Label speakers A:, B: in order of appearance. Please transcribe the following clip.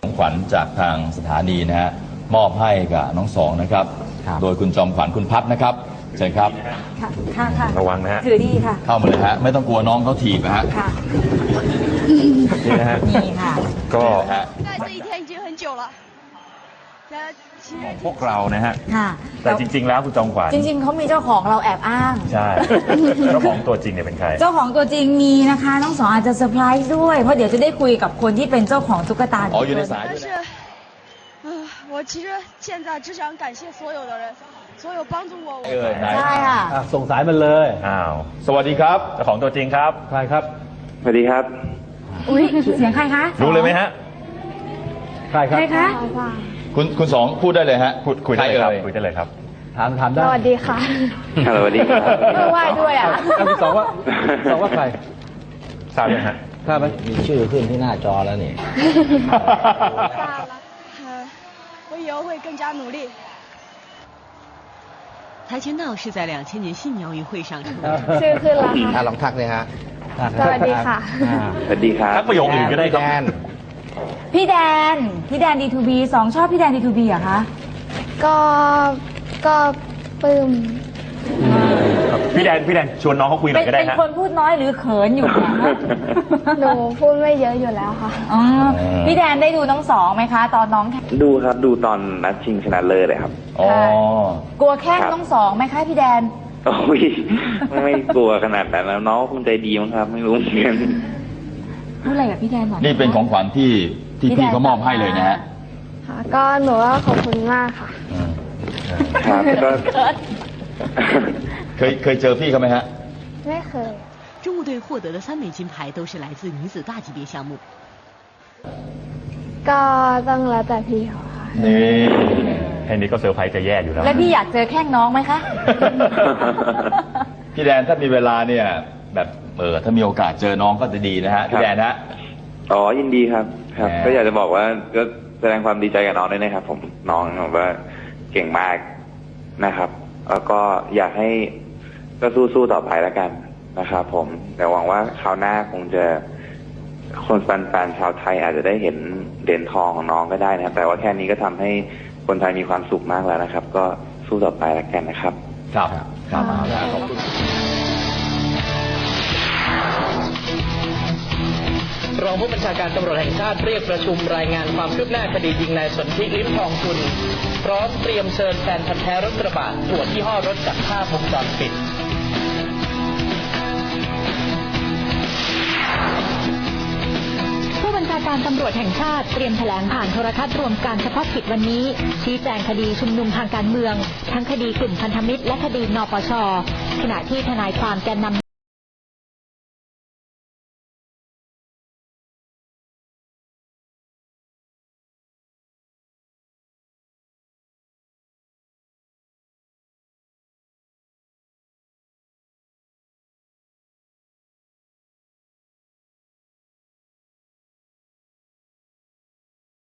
A: ของขวัญจากทางสถานีนะฮะมอบให้กับน้องสองนะครับโดยคุณจอมขวัญคุณพัฒนะครับเชิญครับ
B: ค่ะ
C: ระวังนะฮะ
B: ถือดีค่ะ
A: เข้ามาเลยฮะไม่ต้องกลัวน้องเขาถีบนะฮะ
B: ค่ะ
C: นี่นะฮะ
B: นี่ค่ะ
C: ก็พวกเรานะฮะแต่จริงๆแล้วคุณจอมขวัญ
B: จริงๆเขามีเจ้าของเราแอบอ้าง
C: ใช่เจ้าของตัวจริงเนี่ยเป็นใคร
B: เจ้าของตัวจริงมีนะคะน้องสองอาจจะเซอร์ไพรส์ด้วยเพราะเดี๋ยวจะได้คุยกับคนที่เป็นเจ้าของตุ๊กตา
A: อ๋ออยู่ในสายด้วยนะ
D: 我其实现在只想感谢所有的人，所有帮助我。
B: ใช่ค่ะ
E: ส่งสายมันเลย
A: สวัสดีครับ
C: เจ้าของตัวจริงครับ
E: ใครครับ
F: สวัสดีครับ
B: อุ้ยเสียงใครคะ
C: รู้เลยไหมฮะ
E: ใครครับ
B: ใครคะ
A: คุณสองพูดได้เลยฮะ
C: คุยได้เลยครับคุยได้เลยครับ
E: ถามได้
D: สวัสดีค่ะ
F: สวัสดีครับ
B: ไหว้ด้วยอ่ะ
E: คุณสองว่าใคร
C: ทราบไหมฮะ
E: ทราบไหมมีชื่อขึ้นที่หน้าจอแล้วนี่
D: ทราบแล้ว我以后会更加努力
G: 跆拳道是在2000年信鸟语会上出的。
D: ชื่อขึ้นแล้ว
E: ค่ะลองทักเลยฮะ
D: สวัสดีค่ะ
F: สวัสดีครับ
C: ทักประโยคอื่นก็ได้ครับ
B: พี่แดน D2B สองชอบพี่แดน D2B เหรอคะ
D: ก็ปลื้ม
C: พี่แดนชวนน้องเขาคุยหน่อยก็ได้ฮะ
B: เป็นคนพูดน้อยหรือเขินอยู่นะ
D: หนูพูดไม่เยอะอยู่แล้วค่ะ
B: อ๋อพี่แดนได้ดูน้องสองไหมคะตอนน้อง
F: ดูครับดูตอนนัดชิงชนะเลิศเลยครับ
A: อ๋
B: อกลัวแค่น้องสองไหมคะพี่แดน
F: โอ้ยไม่กลัวขนาดนั้นแล้วน้องคงใจดีมั้งครับไม่รู้เหมือนกัน
B: พูดอะไรกับพี่แดนหน่อย
A: นี่เป็นของขวัญที่พี่เขามอบให้เลยนะฮะ
D: ก็หนูว่าขอบคุณมากค่ะ
F: ครับก็
A: เคยเจอพี่เขาไหมฮะ
D: ไม่เคย
G: 中国队获得的3枚金牌都是来自女子大级别项目
D: ก็ต้องแล้วแต่พี่เขาค่ะ
A: นี่
C: แค่นี้ก็เซอร์ไพรส์จะแย่อยู่แล้ว
B: แล้วพี่อยากเจอแข้งน้องไหมคะ
A: พี่แดนถ้ามีเวลาเนี่ยแบบถ้ามีโอกาสเจอน้องก็จะดีนะฮะพี่แดนฮะ
F: อ๋อยินดีครับก็อยากจะบอกว่าก็แสดงความดีใจกับน้องด้วยนะครับผมน้องแบบว่าเก่งมากนะครับแล้วก็อยากให้ก็สู้ต่อไปแล้วกันนะครับผมแต่หวังว่าคราวหน้าคงจะคนแฟนชาวไทยอาจจะได้เห็นเหรียญทองของน้องก็ได้นะครับแต่ว่าแค่นี้ก็ทำให้คนไทยมีความสุขมากแล้วนะครับก็สู้ต่อไปแล้วกันนะครับ
A: ครับขอบคุณ
H: รองผู้บัญชาการตำรวจแห่งชาติเรียกประชุมรายงานความคืบหน้าคดียิงนายสนธิลิ้มทองกุลพร้อมเตรียมเชิญแฟนพันธุ์แท้รถกระบะตรวจยี่ห้อรถจากภาพวงจรปิด
I: ผู้บัญชาการตำรวจแห่งชาติเตรียมแถลงผ่านโทรทัศน์รวมการเฉพาะกิจวันนี้ชี้แจงคดีชุมนุมทางการเมืองทั้งคดีกลุ่มพันธมิตรและคดีนปช.ขณะที่ทนายความแกนนำ